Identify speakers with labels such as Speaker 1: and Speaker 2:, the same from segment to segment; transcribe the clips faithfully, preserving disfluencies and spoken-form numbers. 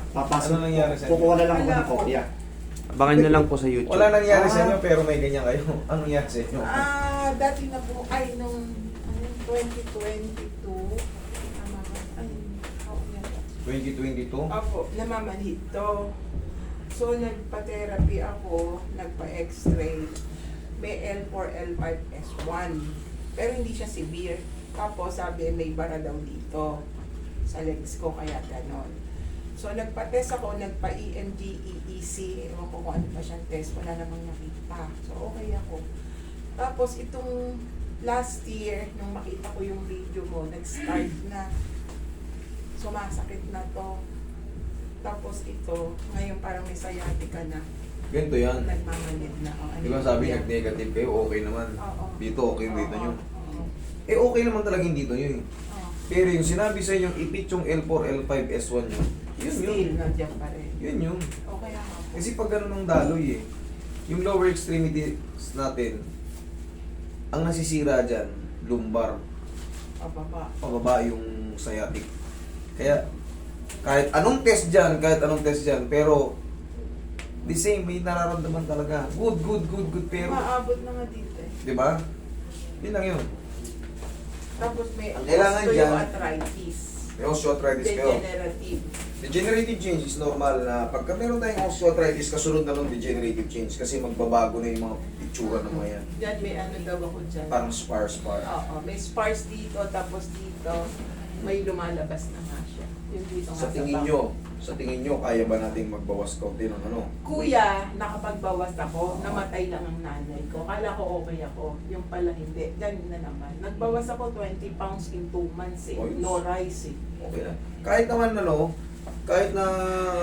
Speaker 1: Papasok.
Speaker 2: Ano nangyari sa inyo?
Speaker 1: Kukuha na lang ako ng kopya.
Speaker 3: Abangan nyo lang po sa YouTube.
Speaker 2: Wala nangyari sa
Speaker 1: Ah.
Speaker 2: inyo pero may ganyan kayo. Anong nangyari sa inyo?
Speaker 4: Ah, dati na po, ay, nung ano, twenty twenty-two, namaman, ay, oh, yan.
Speaker 2: twenty twenty-two?
Speaker 4: Ako, namamanhid to. So, nagpa-therapy ako, nagpa-x-ray. May L four, L five, S one. Pero hindi siya severe. Tapos, sabi, may bara daw dito sa legs ko, kaya ganon. So, nagpa-test ako, nagpa-E M G, E E C, ewan ko kung ano pa siyang test, wala namang nakita. So, okay ako. Tapos, itong last year, nung makita ko yung video mo, nag-start na sumasakit na to. Tapos ito, ngayon parang may sciatica na,
Speaker 2: Ganito yan.
Speaker 4: nagmamanid na. Oh, ano
Speaker 2: Di ba
Speaker 4: yun?
Speaker 2: sabi
Speaker 4: Yan.
Speaker 2: nag-negative kayo, okay naman.
Speaker 4: Oo.
Speaker 2: Dito, okay yung dito
Speaker 4: Oo,
Speaker 2: nyo.
Speaker 4: oo,
Speaker 2: Eh okay naman talaga yung dito nyo eh.
Speaker 4: oo.
Speaker 2: Pero yung sinabi sa inyong ipit yung L four, L five, S one nyo, yun yun.
Speaker 4: Still, nandiyan pa rin.
Speaker 2: Yun yun.
Speaker 4: Okay ako.
Speaker 2: Kasi pag ganun ng daloy eh, yung lower extremities natin, ang nasisira dyan, lumbar,
Speaker 4: Pababa.
Speaker 2: pababa yung sciatic. Kaya, kahit anong test dyan, kahit anong test dyan, pero, the same, may nararamdaman talaga. Good, good, good, good, pero,
Speaker 4: Maabot na nga dito eh.
Speaker 2: di ba? Yun lang yun.
Speaker 4: Tapos may
Speaker 2: Ang kailangan dyan-
Speaker 4: osteoarthritis.
Speaker 2: May osteoarthritis kayo.
Speaker 4: Degenerative.
Speaker 2: Degenerative change is normal na pagka meron tayong osteoarthritis, kasunod na ng degenerative change kasi magbabago na yung mga itsura ng mga yan.
Speaker 4: Diyan may ano daw ako dyan.
Speaker 2: Parang spar-spar.
Speaker 4: Oo, may spars dito, tapos dito, may lumalabas na nga siya. Yung dito nga
Speaker 2: Sa tingin
Speaker 4: baba.
Speaker 2: nyo, sa tingin nyo, kaya ba nating magbawas kaunti ng ano?
Speaker 4: Kuya, nakapagbawas ako, namatay lang ang nanay ko. Kala ko okay ako, yung pala hindi. Ganun na naman. Nagbawas ako twenty pounds in two months eh.
Speaker 2: Ayos.
Speaker 4: No rice eh.
Speaker 2: Okay na. Kahit naman ano, kahit na...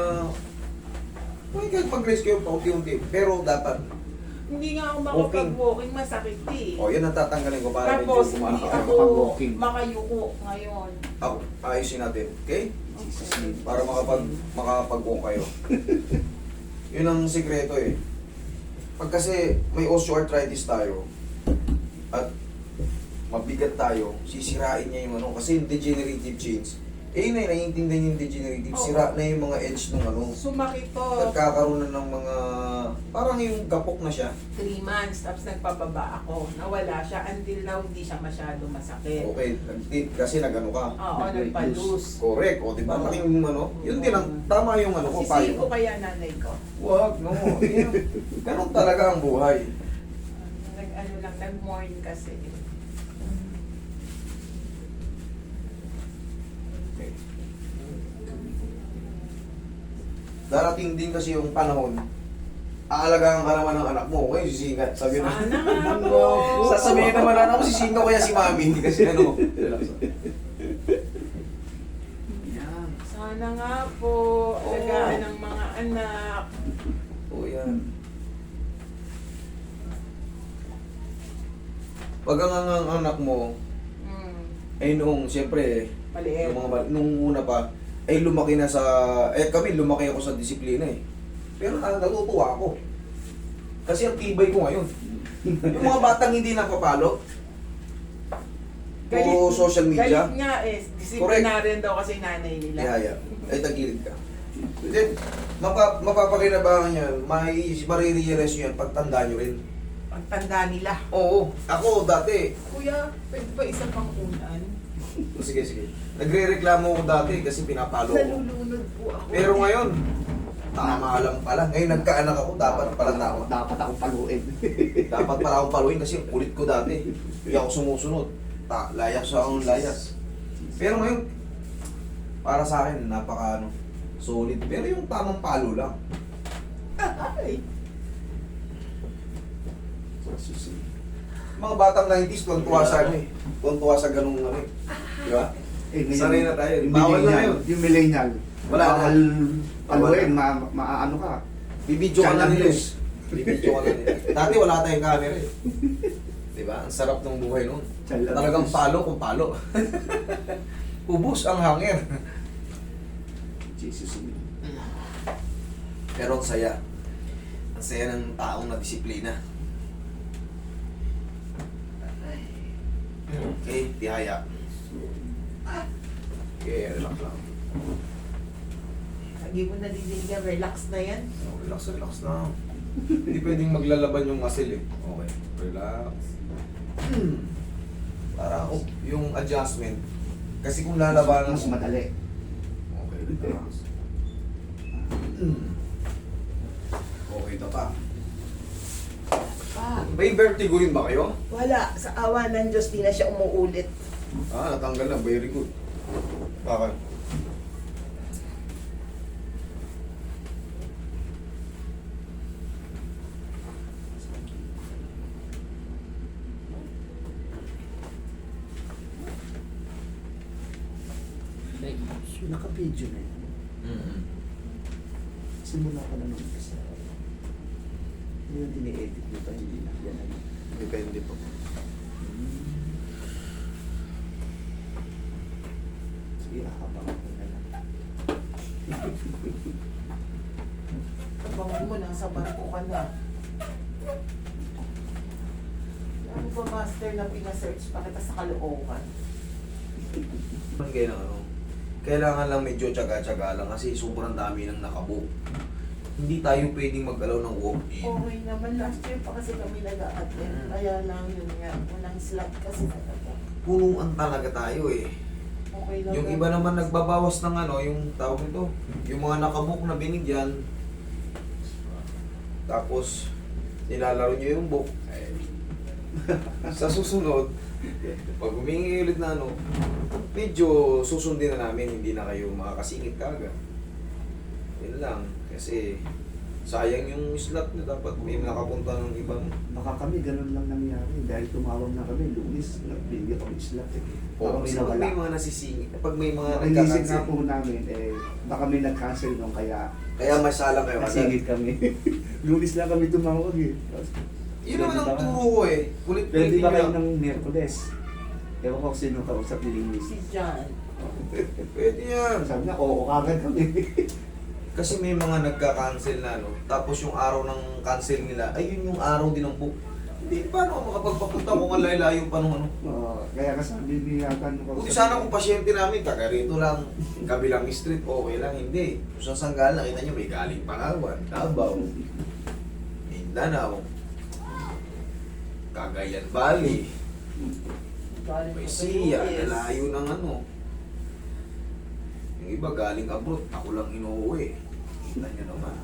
Speaker 2: Okay, kahit mag-raise kayo paunti-unti, pero dapat,
Speaker 4: Hindi nga ako
Speaker 2: Walking.
Speaker 4: makapag-walking, masakit eh.
Speaker 2: o oh, yan ang tatanggalin ko para medyo
Speaker 4: Tapos hindi
Speaker 2: kumakakaya.
Speaker 4: ako
Speaker 1: Makapag-walking.
Speaker 4: makayuko ngayon.
Speaker 2: Ako, ayusin natin, okay?
Speaker 4: Okay.
Speaker 2: Para makapag makakapag-walk kayo. Yun ang sikreto eh. Pag kasi may osteoarthritis tayo at mabigat tayo, sisirain niya yung ano kasi yung degenerative change. Eh yun na, naiintindihan yung degenerative.
Speaker 4: Oo.
Speaker 2: Sira na yung mga edge ng ano.
Speaker 4: Sumakit to.
Speaker 2: Nagkakaroon na ng mga parang yung gapok na siya.
Speaker 4: Three months, tapos nagpababa ako. Nawala siya. Until now, hindi siya masyado masakit.
Speaker 2: Okay, nag- kasi nagano ka.
Speaker 4: Oo,
Speaker 1: Nag-weight
Speaker 4: nagpa-lose.
Speaker 2: Correct. O, di ba? Laking ano. Yun din ang tama yung ano ko.
Speaker 4: Sisihin ko
Speaker 2: payo.
Speaker 4: kaya nanay ko.
Speaker 2: Wag, no. Yan. Ganun talaga ang buhay.
Speaker 4: Nag, ano lang, nag-mourn kasi.
Speaker 2: Okay. Darating din kasi yung panahon, aalagaan ka naman ng anak mo, okay, sisingat. Sabi na,
Speaker 4: Sana nga po.
Speaker 2: sasabihin naman na ako, sisingaw kaya si mami, kasi ano.
Speaker 1: Yan.
Speaker 4: Sana nga po. Alagaan ng mga anak.
Speaker 2: O yan. Pag ang, ang, ang anak mo,
Speaker 4: Hmm.
Speaker 2: ay nung, siyempre,
Speaker 4: Maliit.
Speaker 2: yung mga, ba- nung una pa, ay lumaki na sa, eh kami, lumaki ako sa disiplina eh. Pero na, natutuwa ako. Kasi ang tibay ko ngayon. Yung mga batang hindi napapalo, puro social media,
Speaker 4: Galit nga eh. Disciplinarian daw kasi nanay nila.
Speaker 2: ihaya, ay tagilid ka. Then, mapa, mapapakinabangan yan, may marirealize nyo yan, pagtanda nyo rin.
Speaker 4: Pagtanda nila.
Speaker 2: Oo, ako dati,
Speaker 4: Kuya, pwede ba isang pang unan?
Speaker 2: sige sige, nagre-reklamo ako dati kasi pinapalo ko.
Speaker 4: Nalulunod po ako.
Speaker 2: Pero ngayon, tama lang pala. Ngayon nagkaanak ako, dapat pala tama.
Speaker 1: Dapat akong paluin.
Speaker 2: Dapat pala akong paluin kasi kulit ko dati. Hindi ako sumusunod. Ta, layas sa akong layas. Pero ngayon, para sa akin, napaka ano, solid. Pero yung tamang palo lang.
Speaker 4: Ay.
Speaker 2: Mga batang nineties, tuwan-tuwa sa ano eh. Tuwan-tuwa sa ganung ano eh. Di ba?
Speaker 1: Eh, ngayon,
Speaker 2: Sanay na tayo.
Speaker 1: Yung
Speaker 2: Bawal na
Speaker 1: millennial,
Speaker 2: yun.
Speaker 1: yung millennial.
Speaker 2: Wala na.
Speaker 1: Bawal paluin,
Speaker 2: Wala.
Speaker 1: ma, maano ka.
Speaker 2: Bibidyo ka na
Speaker 1: Channel
Speaker 2: nila eh.
Speaker 1: news.
Speaker 2: Bibidyo ka na nila. Dati wala tayong camera eh. Di ba? Ang sarap ng buhay noon.
Speaker 1: Channel
Speaker 2: Talagang
Speaker 1: news.
Speaker 2: palo kung palo. Ubus ang hangin.
Speaker 1: Jesus.
Speaker 2: Pero ang saya. Ang saya ng taong na disiplina. Okay, tihaya. Okay, relax lang.
Speaker 4: Hindi mo nadidinig yan, relax na yan.
Speaker 2: Oh, relax, relax na. Hindi pwedeng maglalaban yung muscle eh. Okay, relax. Para oh, yung adjustment. Kasi kung lalabanan
Speaker 1: Mas madali.
Speaker 2: Okay, relax. Okay, ito pa.
Speaker 4: Pa,
Speaker 2: May vertigo rin ba kayo?
Speaker 4: wala. Sa awa ng Diyos, di na siya umuulit.
Speaker 2: Ah, natanggal na. Very good. Bakit?
Speaker 1: Naka-video na yun.
Speaker 2: Mm-hmm.
Speaker 1: Simula ka na nung isa. Hindi yung ini-edit mo pa, hindi na. Yan na yun.
Speaker 2: Depende po.
Speaker 1: Sige, nakabang ko na lang.
Speaker 4: Abangan mo, nasa barko ka na. Ano ba, master, na pinasearch pa kita sa kalookan?
Speaker 2: Man kayo ng ano, kailangan lang medyo tsaga-tsaga lang kasi sobrang dami nang nakabook. Hindi tayo pwedeng mag-alaw ng walk-in.
Speaker 4: Okay naman, last year pa kasi kami nag-a-attend.
Speaker 2: Mm.
Speaker 4: Kaya lang yun nga, walang slot kasi talaga.
Speaker 2: Punuan talaga tayo eh.
Speaker 4: Okay lang.
Speaker 2: Yung iba naman nagbabawas ng ano, yung tawag nito, yung mga nakabook na binigyan. Tapos, nilalaro nyo yung book. Eh, sa susunod, pag humingi ulit na ano, medyo susundin na namin, hindi na kayo makakasingit kagad. Yun lang, kasi sayang yung slot na dapat may nakapunta ng ibang.
Speaker 1: Baka kami, ganun lang nangyari. Dahil tumawag na kami, lunis, nagbigay kami slot eh. Baka
Speaker 2: O,
Speaker 1: may
Speaker 2: kasi pag may
Speaker 1: nawala.
Speaker 2: mga nasisingit, pag may mga
Speaker 1: Ang inisip nga
Speaker 2: nagkakansel,
Speaker 1: po namin, eh, baka may nag-cancel nung kaya
Speaker 2: kaya masalang kayo agad.
Speaker 1: nasingit kami. lunis lang kami tumawag eh. Tapos,
Speaker 2: Yun naman ang
Speaker 1: Pwede ba-
Speaker 2: turo ko eh. Kulit-kulit
Speaker 1: Pwede ba kayo
Speaker 2: lang.
Speaker 1: ng Miyerkules? Ewan ko kung sino kausap ni Linis.
Speaker 4: Si John.
Speaker 2: Pwede yan.
Speaker 1: Sabi niya, oo, kagad kami.
Speaker 2: Kasi may mga nagka-cancel na ano, tapos yung araw ng cancel nila, ay yun yung araw din ng book. Hindi, paano ako makapagpapunta kung ang layo pa nung ano?
Speaker 1: Oo, kaya kasabi ni Yakan ko.
Speaker 2: Buti sana kung pasyente namin, taga rito lang, kabilang street, okay lang, hindi. Kung sa Sanggal, nakita nyo, may galing Palawan, Davao, Mindanao, Cagayan Valley,
Speaker 4: Galing
Speaker 2: may
Speaker 4: pa
Speaker 2: siya,
Speaker 4: sa U S.
Speaker 2: nalayo ng ano. Yung iba galing abroad, ako lang inuuwi. Kita nyo naman.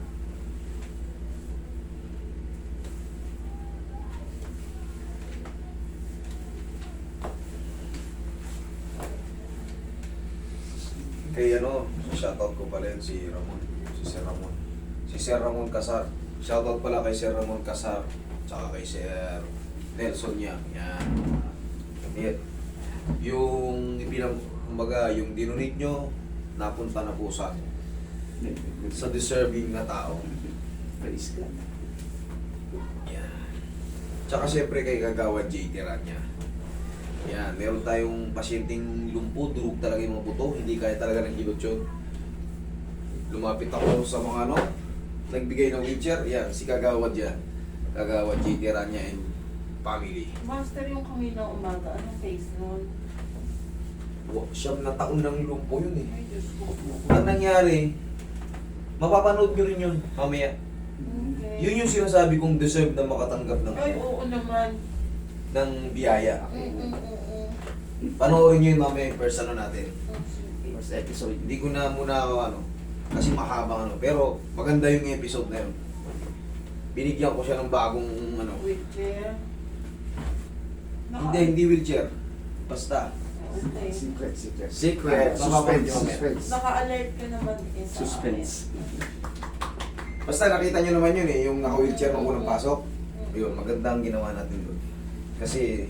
Speaker 2: Kay ano, shoutout ko pala yun si Ramon. Si Sir Ramon. Si Sir Ramon Casar. Shoutout pala kay Sir Ramon Casar. Tsaka kay Sir Nelson niya. Yan. Yan. Yung ibilang, kumbaga, yung dinunit nyo, napunta na po sa sa deserving na tao.
Speaker 1: Praise God.
Speaker 2: Yan. Tsaka syempre kay Kagawad J T Rania. Yan, meron tayong pasyenteng lumpo, durog talaga yung mga buto, hindi kaya talaga ng kilot yun. Lumapit ako sa mga ano, nagbigay ng wheelchair, yan, si Kagawad yan. Kagawad J T Rania and family.
Speaker 4: Master, yung kanina umaga, anong face nun?
Speaker 2: Wa- Siyam na taon ng lumpo yun eh.
Speaker 4: Ay, Diyos ko.
Speaker 2: Ang nangyari, mapapanood nyo rin yun mamaya.
Speaker 4: Okay.
Speaker 2: Yun yung sinasabi kong deserve na makatanggap ng,
Speaker 4: Ay, oo naman.
Speaker 2: ng biyaya.
Speaker 4: Mm, mm, mm, mm.
Speaker 2: Panoorin nyo yun mamaya yung first ano natin.
Speaker 4: Oh, sige.
Speaker 1: First episode.
Speaker 2: Hindi ko na muna ako ano, kasi mahabang ano. Pero maganda yung episode na yun. Binigyan ko siya ng bagong ano.
Speaker 4: Wheelchair. Naka-
Speaker 2: Hindi, hindi wheelchair. Basta.
Speaker 4: Okay.
Speaker 1: Secret, secret.
Speaker 2: Secret.
Speaker 1: Suspense,
Speaker 2: Suspense.
Speaker 1: suspense.
Speaker 4: Naka-alert ka naman eh sa
Speaker 1: Suspense.
Speaker 2: Basta nakita nyo naman yun eh, yung naka-wheelchair nung unang pasok. Yun, maganda ang ginawa natin doon. Kasi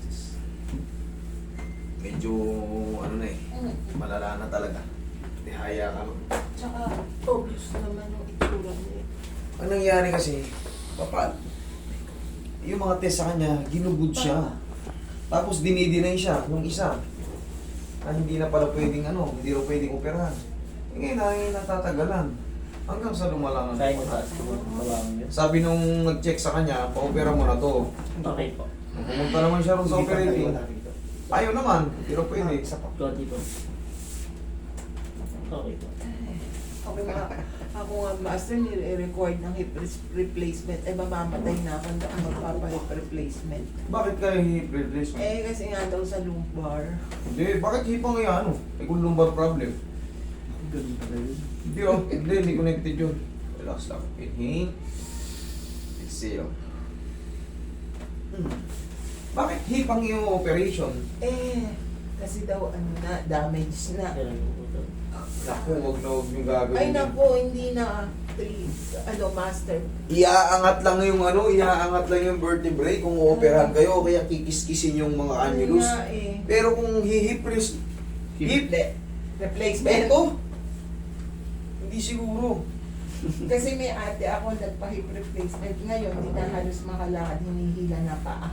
Speaker 2: medyo ano na eh,
Speaker 4: Mm.
Speaker 2: malala na talaga. Dihaya ka no.
Speaker 4: Tsaka obvious naman yung itsura niya.
Speaker 2: Ang nangyari kasi, papal. Yung mga test sa kanya, ginugod siya. Tapos dinidinay siya nung isa. Na hindi na pala pwedeng ano, hindi na pwedeng operahan. E ngayon ay natatagalan. Hanggang sa lumala ng
Speaker 5: Kaya ko taas ko tawagin yun.
Speaker 2: Sabi nung nag-check sa kanya, pa-opera mo na to.
Speaker 5: Okay po.
Speaker 2: Nung pumunta naman siya ron sa
Speaker 1: Hindi pa tayo
Speaker 2: operating.
Speaker 1: wala rito.
Speaker 2: Ayaw naman, hindi na pwede.
Speaker 1: Isa pa.
Speaker 5: Konti po. Okay po.
Speaker 4: Ako nga, ako nga master, nire-record ng hip res- replacement. Eh, mamamatay na ako na magpapa-hip replacement.
Speaker 2: Bakit kayo hip replacement?
Speaker 4: Eh, kasi nga daw sa lumbar.
Speaker 2: Hindi, bakit hipang yung ano? Eh kung lumbar problem.
Speaker 1: Ganun pala yun.
Speaker 2: Hindi oh, hindi, hindi connected yun. Relax lang. Inhale. Exhale. Hmm. Bakit hipang yung operation?
Speaker 4: Eh, kasi daw ano na, damage na.
Speaker 2: Naku, wag na wag yung gagawin.
Speaker 4: Ay
Speaker 2: yun.
Speaker 4: naku, hindi na three, ano, master.
Speaker 2: Iaangat lang yung ano, iaangat lang yung vertebrae kung ooperahan kayo, kaya kikis-kisin yung mga
Speaker 4: Ano
Speaker 2: annulus.
Speaker 4: nga eh.
Speaker 2: Pero kung hihip res- hip,
Speaker 4: Re- replacement.
Speaker 2: ito, hindi siguro.
Speaker 4: Kasi may ate ako nagpa-hip replacement. Ngayon, hindi na halos makalakad, hinihila na paa.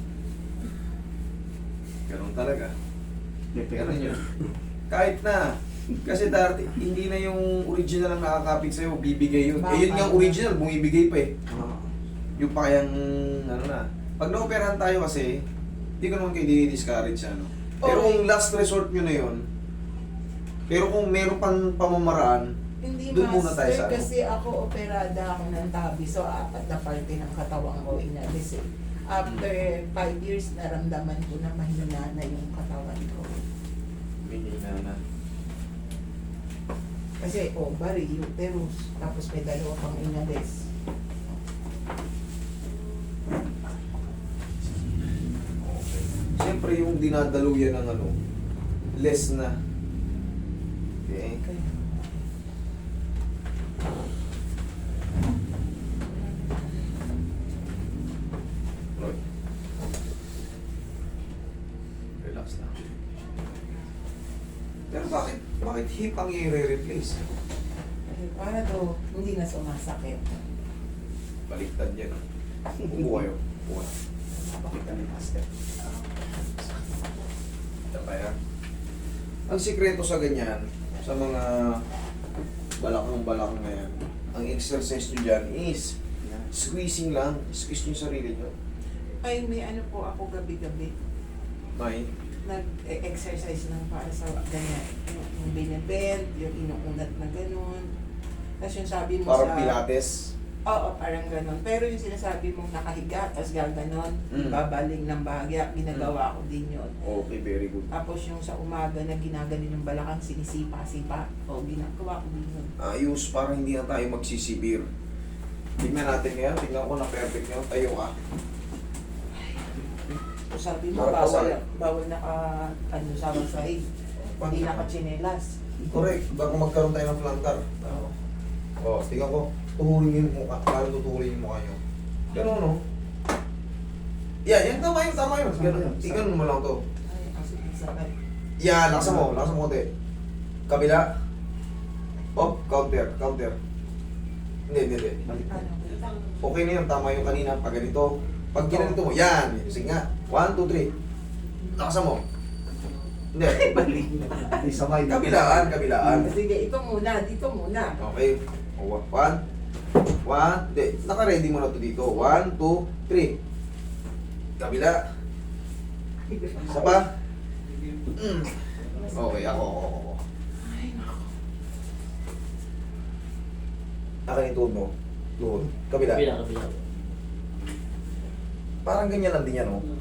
Speaker 2: Ganun talaga.
Speaker 1: Depende.
Speaker 2: Ganun yun. Kahit na. Kasi dati, hindi na yung original ang nakakapit sa'yo, bibigay yun. Eh yun yung original, bumibigay pa eh.
Speaker 1: Ah,
Speaker 2: Yung pa kayang, ano na. Pag na-operahan tayo kasi, hindi ko naman kayo dinidiscourage ano. Pero
Speaker 4: Okay.
Speaker 2: kung last resort nyo na yun, pero kung meron pang pamamaraan,
Speaker 4: Hindi
Speaker 2: Doon muna
Speaker 4: master,
Speaker 2: tayo sa ano.
Speaker 4: kasi ako operada ako ng tabi. So, apat na parte ng katawan ko inalis eh. After five years, naramdaman ko na mahina na yung katawan ko.
Speaker 2: minina na.
Speaker 4: Kasi ovary, uterus, tapos may dalawa pang inalis.
Speaker 2: Siyempre yung dinadaluyan ng ano, less na. Okay.
Speaker 4: Kaya,
Speaker 2: Roy. Relax lang. Pero bakit, bakit hip ang i-replace?
Speaker 4: eh, para to, hindi na sumasakit.
Speaker 2: Baliktad yan. Upo kayo. Upo ka.
Speaker 1: Bakit kami master?
Speaker 2: Ito kaya. Ang sikreto sa ganyan, sa mga balakang-balakang na yan, ang exercise nyo dyan is
Speaker 1: Yan.
Speaker 2: squeezing lang. Squeeze nyo yung sarili nyo.
Speaker 4: Ay, may ano po ako gabi-gabi.
Speaker 2: May.
Speaker 4: Nag-exercise lang para sa ganyan. Yung, yung binibend, yung inuunat na gano'n. Tapos yung sabi mo
Speaker 2: Parang
Speaker 4: sa...
Speaker 2: pilates.
Speaker 4: Oo, parang gano'n. Pero yung sinasabi mong nakahiga, tapos gaganon,
Speaker 2: Mm.
Speaker 4: babaling ng bahagya, ginagawa ko din yun.
Speaker 2: Okay, very good.
Speaker 4: Tapos yung sa umaga na ginaganin ng balakang sinisipa-sipa, o ginagawa ko din yun.
Speaker 2: Ayos, para hindi na tayo magsisibir. Tingnan natin ngayon. Tingnan ko na perfect nyo. Tayo ka.
Speaker 4: So sabi mo,
Speaker 2: Para
Speaker 4: bawal,
Speaker 2: pasal.
Speaker 4: bawal naka, ano, sabang sahig. Hindi naka-chinelas.
Speaker 2: Correct. Baka magkaroon tayo ng plantar.
Speaker 4: Oo.
Speaker 2: Oh, tingnan ko. Tuhurin yung mukha. Parang tutuhurin yung mukha nyo. Ganun, no? Yan, yan. Tama yun, tama yun. Ganun. Tingnan mo lang to.
Speaker 4: Ay, kasi sakit.
Speaker 2: Yan, laksan mo. Laksan mo konti. Kabila. Oh, counter, counter. Hindi, hindi, hindi.
Speaker 1: Balik na.
Speaker 4: Ano,
Speaker 2: Okay na yun. Tama yung kanina. Pag ganito. Pag ginanito mo. Yan. Sige nga. One, two, three. Laksan mo. Hindi.
Speaker 1: Balik na. Di sabay.
Speaker 2: Kabilaan, kabilaan.
Speaker 4: Sige, ito muna, dito muna.
Speaker 2: Okay. O, One. One. Hindi. Naka-ready mo na to dito. One, two, three. Kabila. Isa pa. Mm. Okay, ako, ako, ako.
Speaker 4: Ay, naku.
Speaker 2: Akin yung tuhod mo. Tuhod. Kabila.
Speaker 5: Kabila, kabila.
Speaker 2: Parang ganyan lang din yan, oh.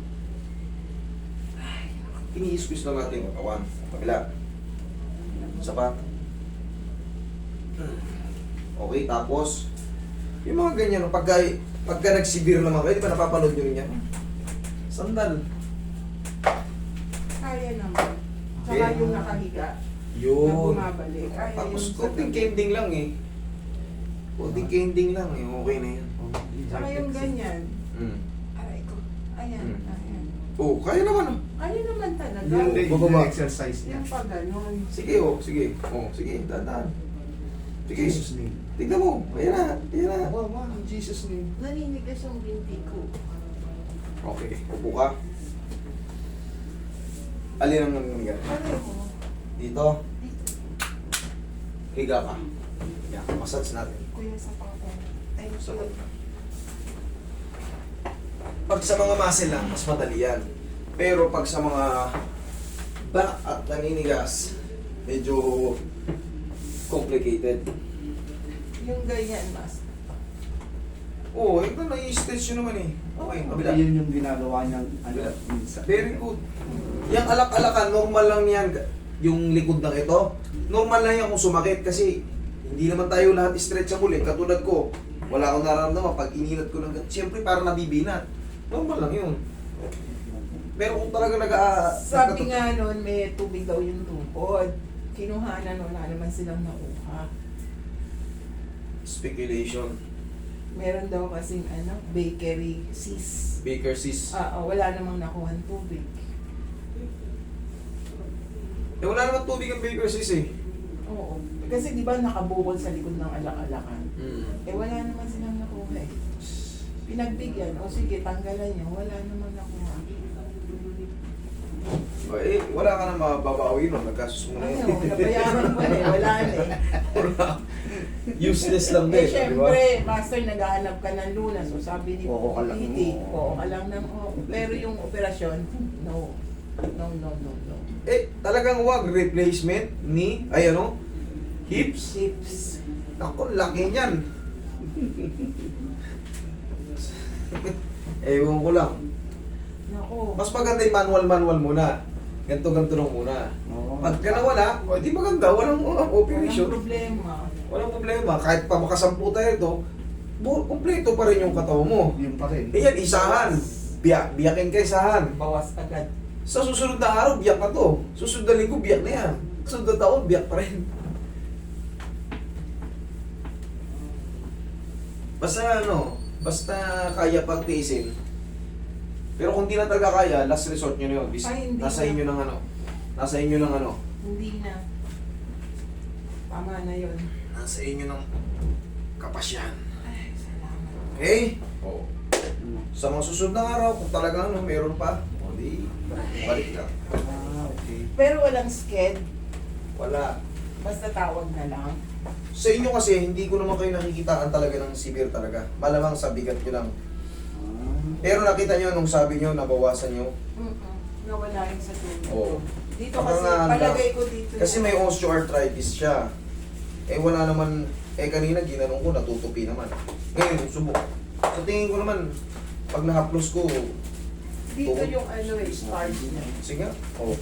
Speaker 2: Ini-squeeze lang natin yung katawan. Kabila. Isa pa. Okay, tapos, yung mga ganyan, oh, pagka, pagka nagsibir naman kayo, di ba napapanood nyo rin yan? Sandal.
Speaker 4: Kaya naman. Saka
Speaker 2: Okay.
Speaker 4: yung nakahiga, na
Speaker 2: Yun.
Speaker 4: bumabalik. Kaya
Speaker 2: Tapos,
Speaker 4: yung sa
Speaker 2: konting
Speaker 4: gabi.
Speaker 2: kending lang eh. Konting kending lang eh, okay na yan.
Speaker 4: Saka yung ganyan.
Speaker 2: Mm.
Speaker 4: Aray ko. Ayan,
Speaker 2: Hmm.
Speaker 4: ayan.
Speaker 2: Oh, kaya naman oh.
Speaker 4: Ano naman talaga?
Speaker 1: Yun din
Speaker 2: Bababa.
Speaker 1: yung exercise niya.
Speaker 4: Yung pa ganon.
Speaker 2: Sige oh, sige. Oh, sige, dahan-dahan. Sige,
Speaker 1: Jesus name.
Speaker 2: tignan mo. Ayan na, ayan na.
Speaker 1: Wow, wow, in Jesus name.
Speaker 4: Naninigas yung binti ko.
Speaker 2: Okay, upo ka. Alin ang nangyayari?
Speaker 4: Pareho.
Speaker 2: Dito. Higa ka. Yan, massage natin.
Speaker 4: Kuya sa pako. Ay,
Speaker 2: Sa
Speaker 4: so,
Speaker 2: Pag sa mga muscle lang, mas madali yan. Pero pag sa mga back at naninigas, medyo complicated.
Speaker 4: Yung ganyan, mas.
Speaker 2: Oo, oh, ito na-i-stretch yun naman eh. Okay, kabila.
Speaker 1: Yun yung ginagawa niyang ano,
Speaker 2: Kabila.
Speaker 1: minsan.
Speaker 2: Very good. Yung alak-alakan, normal lang yan. Yung likod ng ito, normal lang yan kung sumakit kasi hindi naman tayo lahat stretchable eh. Katulad ko, wala akong nararamdaman pag inilat ko ng siyempre parang nabibinat. Normal lang yun. Pero kung talaga nag
Speaker 4: Sabi nga noon, may tubig daw yung tupod. Kinuhanan, wala naman silang nakuha.
Speaker 2: Speculation.
Speaker 4: Meron daw kasing ano, bakery sis.
Speaker 2: Baker sis.
Speaker 4: Ah, ah, wala namang nakuha tubig.
Speaker 2: Eh wala naman tubig ang baker sis eh.
Speaker 4: Oo. Kasi di ba nakabukol sa likod ng alak-alakan?
Speaker 2: Mm.
Speaker 4: Eh wala naman silang nakuha eh. Pinagbigyan, o sige, tanggalan nyo, wala naman nakuha.
Speaker 2: Eh, wala ka na mababawi nun. Nagkasus mo na yun.
Speaker 4: Ano, nabayaran mo eh, wala na eh.
Speaker 2: Useless lang
Speaker 4: Eh,
Speaker 2: din, di ba?
Speaker 4: syempre, master, naghahanap ka ng lunas. So, sabi ni
Speaker 1: Oo ka lang,
Speaker 4: Titi,
Speaker 1: oo.
Speaker 4: oo ka lang ng oo. Pero yung operasyon, no. No, no, no, no.
Speaker 2: Eh, talagang wag replacement ni, ay ano, hips.
Speaker 4: Chips.
Speaker 2: Ako, laki niyan. Ewan ko lang.
Speaker 4: Nako.
Speaker 2: Mas maganda yung manual-manual muna. Ganto-ganto lang muna.
Speaker 1: Oo.
Speaker 2: Pagka nawala, o di maganda, walang uh,
Speaker 4: Walang
Speaker 2: operation.
Speaker 4: problema.
Speaker 2: Walang problema. Kahit pa makasampu tayo ito, bu- kumpleto pa rin yung katawan mo.
Speaker 1: Yun pa rin.
Speaker 2: Eh yan, isahan. Biyak, biyakin ka isahan.
Speaker 4: Bawas agad.
Speaker 2: Sa susunod na araw, biyak na to. Susunod na linggo, biyak na yan. Susunod na taon, biyak pa rin. Basta ano, basta kaya pang tiisin. Pero kung di na talaga kaya, last resort nyo na yun. Bis-
Speaker 4: Ay, hindi
Speaker 2: nasa
Speaker 4: na.
Speaker 2: inyo ng ano. Nasa inyo ng ano.
Speaker 4: Hindi na. Tama na yun.
Speaker 2: Nasa inyo ng kapasyan.
Speaker 4: Ay, salamat.
Speaker 2: Okay? Oo. Sa mga susunod na araw, kung talaga ano, meron pa, o di, balik ka.
Speaker 1: Ah, okay.
Speaker 4: Pero walang sked.
Speaker 2: Wala.
Speaker 4: Basta tawag na lang.
Speaker 2: Sa inyo kasi, hindi ko naman kayo nakikitaan talaga ng severe talaga. Malamang sa bigat nyo lang.
Speaker 1: Ah.
Speaker 2: Pero nakita nyo nung sabi nyo, nabawasan nyo.
Speaker 4: Mm-mm. Nawala yung sa tulog.
Speaker 2: Oo.
Speaker 4: Dito
Speaker 2: Baka
Speaker 4: kasi,
Speaker 2: nga,
Speaker 4: palagay ko dito.
Speaker 2: Kasi
Speaker 4: yung-
Speaker 2: may osteoarthritis siya. Eh wala naman, eh kanina ginanong ko, natutupi naman. Ngayon, subok. Sa tingin ko naman, pag nahaplos ko,
Speaker 4: Dito
Speaker 2: Oo.
Speaker 4: yung ano eh, stars niya.
Speaker 2: sige, oh.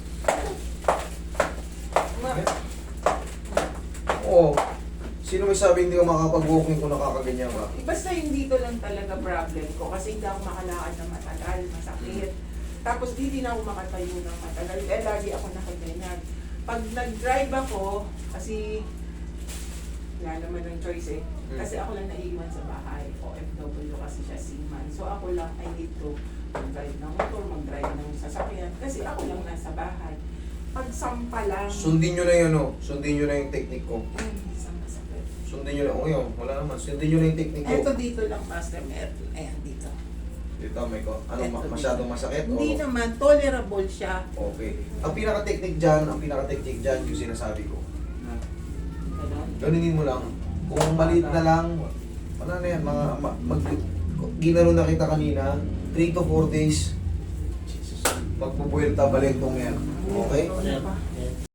Speaker 4: Ma-
Speaker 2: Oo. Sino may sabi hindi ko makakapag-walking kung nakakaganyan ka?
Speaker 4: Basta yung dito lang talaga problem ko kasi hindi ako makalakad na matagal, masakit. Tapos di din ako makatayo ng matagal. Eh, lagi ako nakaganyan. Pag nag-drive ako, kasi wala naman ng choice eh.
Speaker 2: Hmm.
Speaker 4: Kasi ako lang naiiwan sa bahay. O F W kasi siya seaman. So ako lang, I need to mag-drive ng motor, mag-drive ng sasakyan. Kasi ako lang nasa bahay. Pag sampa lang,
Speaker 2: Sundin nyo na yun, oh. Sundin nyo na yung technique ko.
Speaker 4: ay, hindi sa masakit.
Speaker 2: Sundin nyo na, oh yun, wala naman. Sundin nyo na yung technique ko.
Speaker 4: Eto dito lang, Master Meron. Ayan, dito.
Speaker 2: Dito, may ko. Ano,
Speaker 4: Eto
Speaker 2: ma-
Speaker 4: dito.
Speaker 2: masyadong masakit?
Speaker 4: Hindi
Speaker 2: O-
Speaker 4: naman, tolerable siya.
Speaker 2: Okay. Ang pinaka-technique dyan, ang pinaka-technique dyan, yung sinasabi ko.
Speaker 1: Ah.
Speaker 4: Ganon.
Speaker 2: Ganinin mo lang. Kung maliit na lang, wala na yan, mga, ma- mag, ginano na kita kanina, three to four days, magpupuwelta balik tong yan. Okay?
Speaker 4: Ano pa?